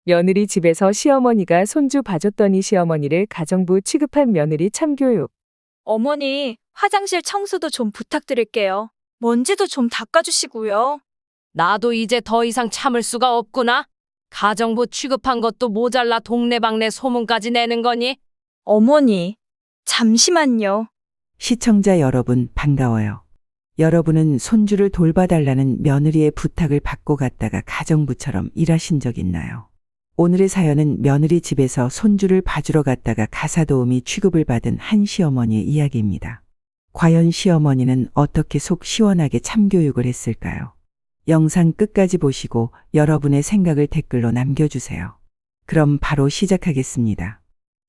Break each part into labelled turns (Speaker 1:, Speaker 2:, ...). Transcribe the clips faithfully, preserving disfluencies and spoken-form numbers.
Speaker 1: 며느리 집에서 시어머니가 손주 봐줬더니 시어머니를 가정부 취급한 며느리 참교육.
Speaker 2: 어머니, 화장실 청소도 좀 부탁드릴게요. 먼지도 좀 닦아주시고요.
Speaker 3: 나도 이제 더 이상 참을 수가 없구나. 가정부 취급한 것도 모자라 동네방네 소문까지 내는 거니?
Speaker 2: 어머니, 잠시만요.
Speaker 4: 시청자 여러분 반가워요. 여러분은 손주를 돌봐달라는 며느리의 부탁을 받고 갔다가 가정부처럼 일하신 적 있나요? 오늘의 사연은 며느리 집에서 손주를 봐주러 갔다가 가사도우미 취급을 받은 한 시어머니의 이야기입니다. 과연 시어머니는 어떻게 속 시원하게 참교육을 했을까요? 영상 끝까지 보시고 여러분의 생각을 댓글로 남겨주세요. 그럼 바로 시작하겠습니다.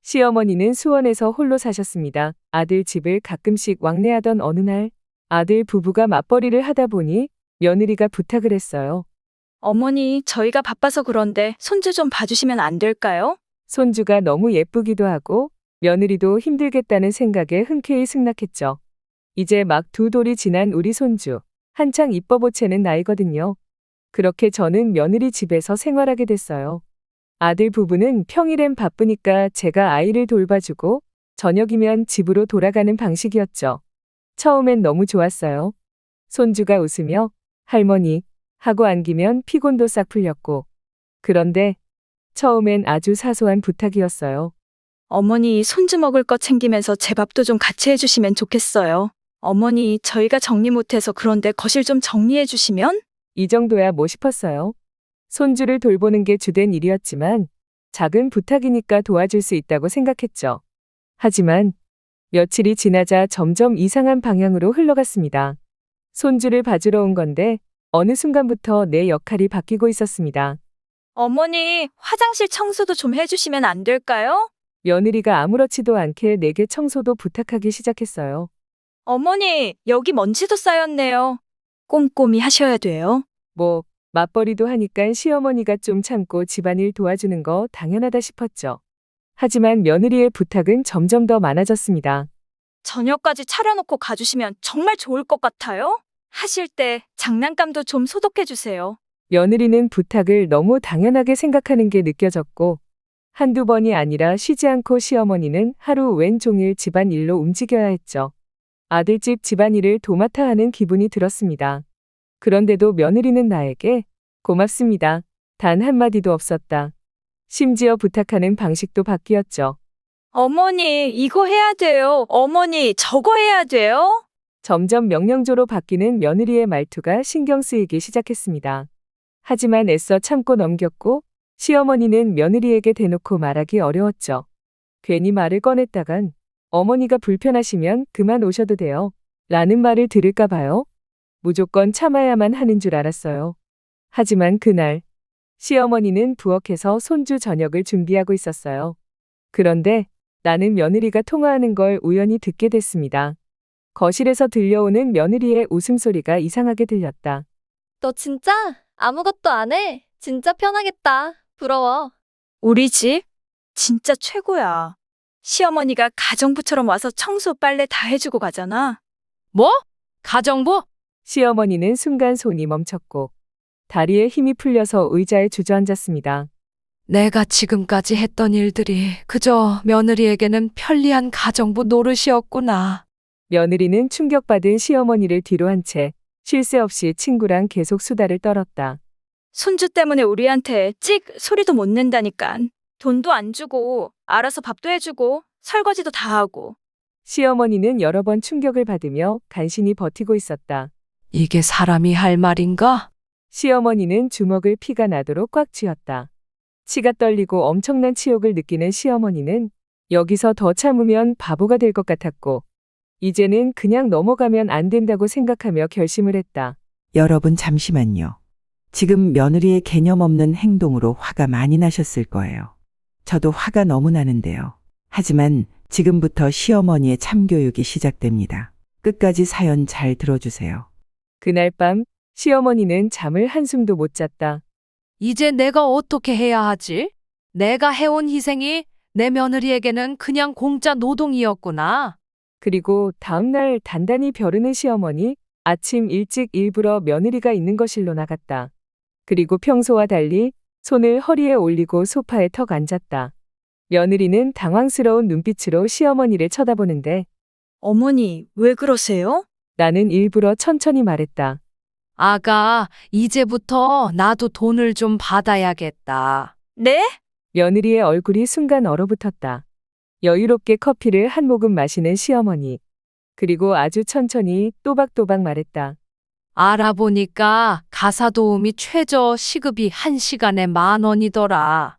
Speaker 1: 시어머니는 수원에서 홀로 사셨습니다. 아들 집을 가끔씩 왕래하던 어느 날 아들 부부가 맞벌이를 하다 보니 며느리가 부탁을 했어요.
Speaker 2: 어머니, 저희가 바빠서 그런데 손주 좀 봐주시면 안 될까요?
Speaker 1: 손주가 너무 예쁘기도 하고 며느리도 힘들겠다는 생각에 흔쾌히 승낙했죠. 이제 막 두 돌이 지난 우리 손주. 한창 이뻐 보채는 나이거든요. 그렇게 저는 며느리 집에서 생활하게 됐어요. 아들 부부는 평일엔 바쁘니까 제가 아이를 돌봐주고 저녁이면 집으로 돌아가는 방식이었죠. 처음엔 너무 좋았어요. 손주가 웃으며 할머니 하고 안기면 피곤도 싹 풀렸고. 그런데 처음엔 아주 사소한 부탁이었어요.
Speaker 2: 어머니, 손주 먹을 거 챙기면서 제 밥도 좀 같이 해주시면 좋겠어요. 어머니, 저희가 정리 못해서 그런데 거실 좀 정리해 주시면?
Speaker 1: 이 정도야 뭐 싶었어요. 손주를 돌보는 게 주된 일이었지만 작은 부탁이니까 도와줄 수 있다고 생각했죠. 하지만 며칠이 지나자 점점 이상한 방향으로 흘러갔습니다. 손주를 봐주러 온 건데 어느 순간부터 내 역할이 바뀌고 있었습니다.
Speaker 2: 어머니, 화장실 청소도 좀 해주시면 안 될까요?
Speaker 1: 며느리가 아무렇지도 않게 내게 청소도 부탁하기 시작했어요.
Speaker 2: 어머니, 여기 먼지도 쌓였네요. 꼼꼼히 하셔야 돼요.
Speaker 1: 뭐 맞벌이도 하니까 시어머니가 좀 참고 집안일 도와주는 거 당연하다 싶었죠. 하지만 며느리의 부탁은 점점 더 많아졌습니다.
Speaker 2: 저녁까지 차려놓고 가주시면 정말 좋을 것 같아요. 하실 때 장난감도 좀 소독해 주세요.
Speaker 1: 며느리는 부탁을 너무 당연하게 생각하는 게 느껴졌고 한두 번이 아니라 쉬지 않고 시어머니는 하루 왼종일 집안일로 움직여야 했죠. 아들집 집안일을 도맡아 하는 기분이 들었습니다. 그런데도 며느리는 나에게 고맙습니다. 단 한마디도 없었다. 심지어 부탁하는 방식도 바뀌었죠.
Speaker 2: 어머니, 이거 해야 돼요. 어머니, 저거 해야 돼요.
Speaker 1: 점점 명령조로 바뀌는 며느리의 말투가 신경 쓰이기 시작했습니다. 하지만 애써 참고 넘겼고 시어머니는 며느리에게 대놓고 말하기 어려웠죠. 괜히 말을 꺼냈다간 어머니가 불편하시면 그만 오셔도 돼요. 라는 말을 들을까 봐요. 무조건 참아야만 하는 줄 알았어요. 하지만 그날 시어머니는 부엌에서 손주 저녁을 준비하고 있었어요. 그런데 나는 며느리가 통화하는 걸 우연히 듣게 됐습니다. 거실에서 들려오는 며느리의 웃음소리가 이상하게 들렸다.
Speaker 5: 너 진짜 아무것도 안 해? 진짜 편하겠다. 부러워.
Speaker 2: 우리 집 진짜 최고야. 시어머니가 가정부처럼 와서 청소 빨래 다 해주고 가잖아.
Speaker 3: 뭐? 가정부?
Speaker 1: 시어머니는 순간 손이 멈췄고 다리에 힘이 풀려서 의자에 주저앉았습니다.
Speaker 3: 내가 지금까지 했던 일들이 그저 며느리에게는 편리한 가정부 노릇이었구나.
Speaker 1: 며느리는 충격받은 시어머니를 뒤로 한 채 쉴 새 없이 친구랑 계속 수다를 떨었다.
Speaker 2: 손주 때문에 우리한테 찍 소리도 못 낸다니깐. 돈도 안 주고 알아서 밥도 해주고 설거지도 다 하고.
Speaker 1: 시어머니는 여러 번 충격을 받으며 간신히 버티고 있었다.
Speaker 3: 이게 사람이 할 말인가?
Speaker 1: 시어머니는 주먹을 피가 나도록 꽉 쥐었다. 치가 떨리고 엄청난 치욕을 느끼는 시어머니는 여기서 더 참으면 바보가 될 것 같았고 이제는 그냥 넘어가면 안 된다고 생각하며 결심을 했다.
Speaker 4: 여러분 잠시만요. 지금 며느리의 개념 없는 행동으로 화가 많이 나셨을 거예요. 저도 화가 너무 나는데요. 하지만 지금부터 시어머니의 참교육이 시작됩니다. 끝까지 사연 잘 들어주세요.
Speaker 1: 그날 밤 시어머니는 잠을 한숨도 못 잤다.
Speaker 3: 이제 내가 어떻게 해야 하지? 내가 해온 희생이 내 며느리에게는 그냥 공짜 노동이었구나.
Speaker 1: 그리고 다음날 단단히 벼르는 시어머니, 아침 일찍 일부러 며느리가 있는 거실로 나갔다. 그리고 평소와 달리 손을 허리에 올리고 소파에 턱 앉았다. 며느리는 당황스러운 눈빛으로 시어머니를 쳐다보는데
Speaker 2: 어머니, 왜 그러세요?
Speaker 1: 나는 일부러 천천히 말했다.
Speaker 3: 아가, 이제부터 나도 돈을 좀 받아야겠다.
Speaker 2: 네?
Speaker 1: 며느리의 얼굴이 순간 얼어붙었다. 여유롭게 커피를 한 모금 마시는 시어머니. 그리고 아주 천천히 또박또박 말했다.
Speaker 3: 알아보니까 가사도우미 최저 시급이 한 시간에 만 원이더라.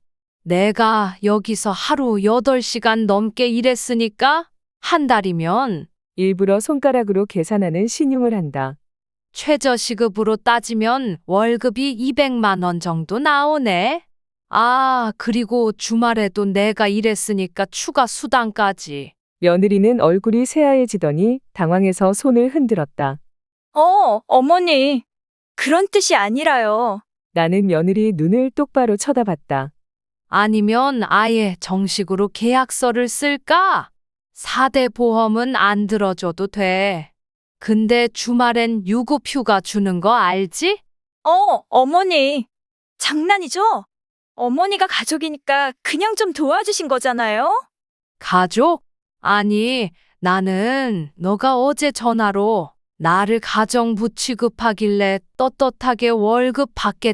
Speaker 3: 내가 여기서 하루 여덟 시간 넘게 일했으니까 한 달이면
Speaker 1: 일부러 손가락으로 계산하는 신용을 한다.
Speaker 3: 최저 시급으로 따지면 월급이 이백만 원 정도 나오네. 아, 그리고 주말에도 내가 일했으니까 추가 수당까지.
Speaker 1: 며느리는 얼굴이 새하얘지더니 당황해서 손을 흔들었다.
Speaker 2: 어, 어머니. 그런 뜻이 아니라요.
Speaker 1: 나는 며느리 눈을 똑바로 쳐다봤다.
Speaker 3: 아니면 아예 정식으로 계약서를 쓸까? 사 대 보험은 안 들어줘도 돼. 근데 주말엔 유급휴가 주는 거 알지?
Speaker 2: 어, 어머니. 장난이죠? 어머니가 가족이니까 그냥 좀 도와주신 거잖아요?
Speaker 3: 가족? 아니, 나는 너가 어제 전화로 나를 가정부 취급하길래 떳떳하게 월급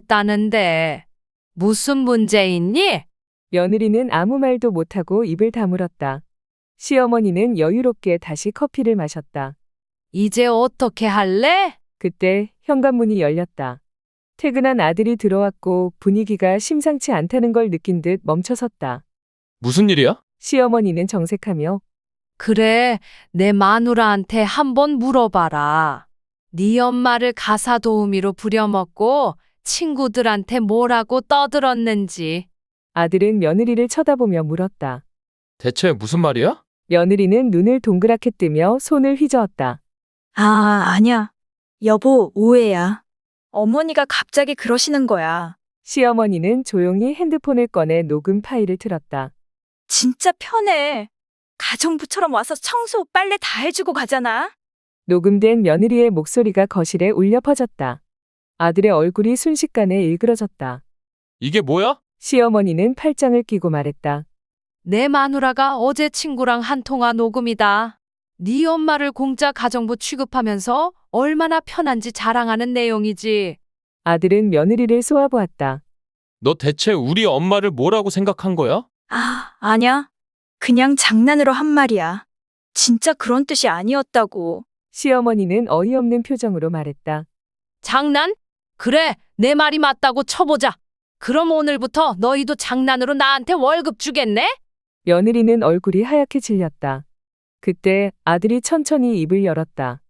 Speaker 3: 받겠다는데 무슨 문제 있니?
Speaker 1: 며느리는 아무 말도 못하고 입을 다물었다. 시어머니는 여유롭게 다시 커피를 마셨다.
Speaker 3: 이제 어떻게 할래?
Speaker 1: 그때 현관문이 열렸다. 퇴근한 아들이 들어왔고 분위기가 심상치 않다는 걸 느낀 듯 멈춰섰다.
Speaker 6: 무슨 일이야?
Speaker 1: 시어머니는 정색하며
Speaker 3: 그래, 내 마누라한테 한번 물어봐라. 네 엄마를 가사도우미로 부려먹고 친구들한테 뭐라고 떠들었는지.
Speaker 1: 아들은 며느리를 쳐다보며 물었다.
Speaker 6: 대체 무슨 말이야?
Speaker 1: 며느리는 눈을 동그랗게 뜨며 손을 휘저었다.
Speaker 2: 아, 아니야. 여보, 오해야. 어머니가 갑자기 그러시는 거야.
Speaker 1: 시어머니는 조용히 핸드폰을 꺼내 녹음 파일을 틀었다.
Speaker 2: 진짜 편해. 가정부처럼 와서 청소, 빨래 다 해주고 가잖아.
Speaker 1: 녹음된 며느리의 목소리가 거실에 울려 퍼졌다. 아들의 얼굴이 순식간에 일그러졌다.
Speaker 6: 이게 뭐야?
Speaker 1: 시어머니는 팔짱을 끼고 말했다.
Speaker 3: 내 마누라가 어제 친구랑 한 통화 녹음이다. 네 엄마를 공짜 가정부 취급하면서 얼마나 편한지 자랑하는 내용이지.
Speaker 1: 아들은 며느리를 쏘아보았다.
Speaker 6: 너 대체 우리 엄마를 뭐라고 생각한 거야?
Speaker 2: 아, 아니야. 그냥 장난으로 한 말이야. 진짜 그런 뜻이 아니었다고.
Speaker 1: 시어머니는 어이없는 표정으로 말했다.
Speaker 3: 장난? 그래, 내 말이 맞다고 쳐보자. 그럼 오늘부터 너희도 장난으로 나한테 월급 주겠네?
Speaker 1: 며느리는 얼굴이 하얗게 질렸다. 그때 아들이 천천히 입을 열었다.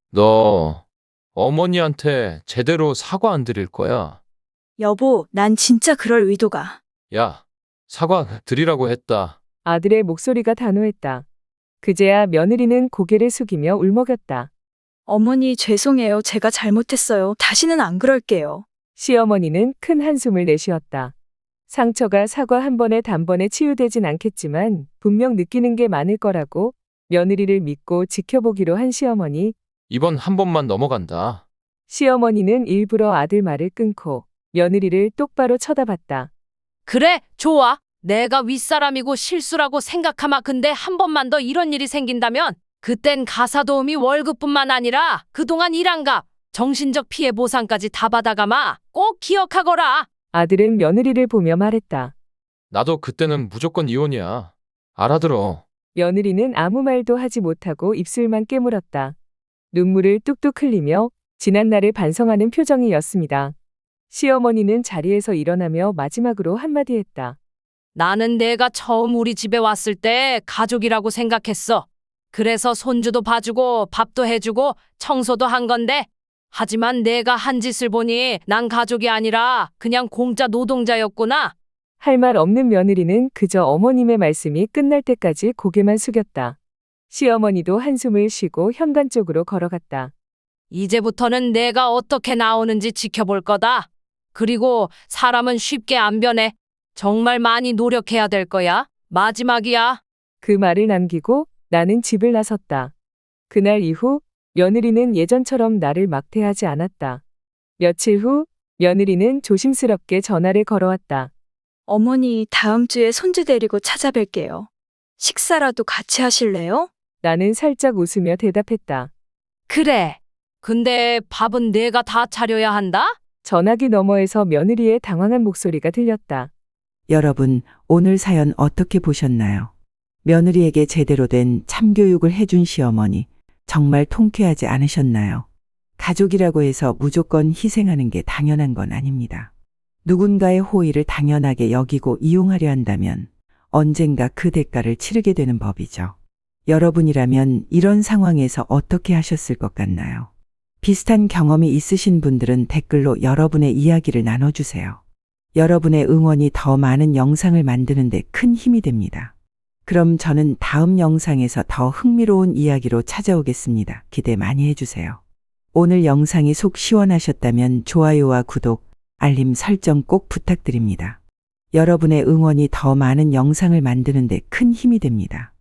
Speaker 6: 너 어머니한테 제대로 사과 안 드릴 거야.
Speaker 2: 여보, 난 진짜 그럴 의도가.
Speaker 6: 야, 사과 드리라고 했다.
Speaker 1: 아들의 목소리가 단호했다. 그제야 며느리는 고개를 숙이며 울먹였다.
Speaker 2: 어머니, 죄송해요. 제가 잘못했어요. 다시는 안 그럴게요.
Speaker 1: 시어머니는 큰 한숨을 내쉬었다. 상처가 사과 한 번에 단번에 치유되진 않겠지만 분명 느끼는 게 많을 거라고 며느리를 믿고 지켜보기로 한 시어머니.
Speaker 6: 이번 한 번만 넘어간다.
Speaker 1: 시어머니는 일부러 아들 말을 끊고 며느리를 똑바로 쳐다봤다.
Speaker 3: 그래, 좋아. 내가 윗사람이고 실수라고 생각하마. 근데 한 번만 더 이런 일이 생긴다면 그땐 가사도우미 월급뿐만 아니라 그동안 일한 값, 정신적 피해 보상까지 다 받아가마. 꼭 기억하거라.
Speaker 1: 아들은 며느리를 보며 말했다.
Speaker 6: 나도 그때는 무조건 이혼이야. 알아들어.
Speaker 1: 며느리는 아무 말도 하지 못하고 입술만 깨물었다. 눈물을 뚝뚝 흘리며 지난날을 반성하는 표정이었습니다. 시어머니는 자리에서 일어나며 마지막으로 한마디 했다.
Speaker 3: 나는 내가 처음 우리 집에 왔을 때 가족이라고 생각했어. 그래서 손주도 봐주고 밥도 해주고 청소도 한 건데 하지만 내가 한 짓을 보니 난 가족이 아니라 그냥 공짜 노동자였구나.
Speaker 1: 할 말 없는 며느리는 그저 어머님의 말씀이 끝날 때까지 고개만 숙였다. 시어머니도 한숨을 쉬고 현관 쪽으로 걸어갔다.
Speaker 3: 이제부터는 내가 어떻게 나오는지 지켜볼 거다. 그리고 사람은 쉽게 안 변해. 정말 많이 노력해야 될 거야. 마지막이야.
Speaker 1: 그 말을 남기고 나는 집을 나섰다. 그날 이후 며느리는 예전처럼 나를 막대하지 않았다. 며칠 후 며느리는 조심스럽게 전화를 걸어왔다.
Speaker 2: 어머니, 다음 주에 손주 데리고 찾아뵐게요. 식사라도 같이 하실래요?
Speaker 1: 나는 살짝 웃으며 대답했다.
Speaker 3: 그래. 근데 밥은 내가 다 차려야 한다?
Speaker 1: 전화기 너머에서 며느리의 당황한 목소리가 들렸다.
Speaker 4: 여러분, 오늘 사연 어떻게 보셨나요? 며느리에게 제대로 된 참교육을 해준 시어머니, 정말 통쾌하지 않으셨나요? 가족이라고 해서 무조건 희생하는 게 당연한 건 아닙니다. 누군가의 호의를 당연하게 여기고 이용하려 한다면 언젠가 그 대가를 치르게 되는 법이죠. 여러분이라면 이런 상황에서 어떻게 하셨을 것 같나요? 비슷한 경험이 있으신 분들은 댓글로 여러분의 이야기를 나눠주세요. 여러분의 응원이 더 많은 영상을 만드는 데 큰 힘이 됩니다. 그럼 저는 다음 영상에서 더 흥미로운 이야기로 찾아오겠습니다. 기대 많이 해주세요. 오늘 영상이 속 시원하셨다면 좋아요와 구독, 알림 설정 꼭 부탁드립니다. 여러분의 응원이 더 많은 영상을 만드는 데 큰 힘이 됩니다.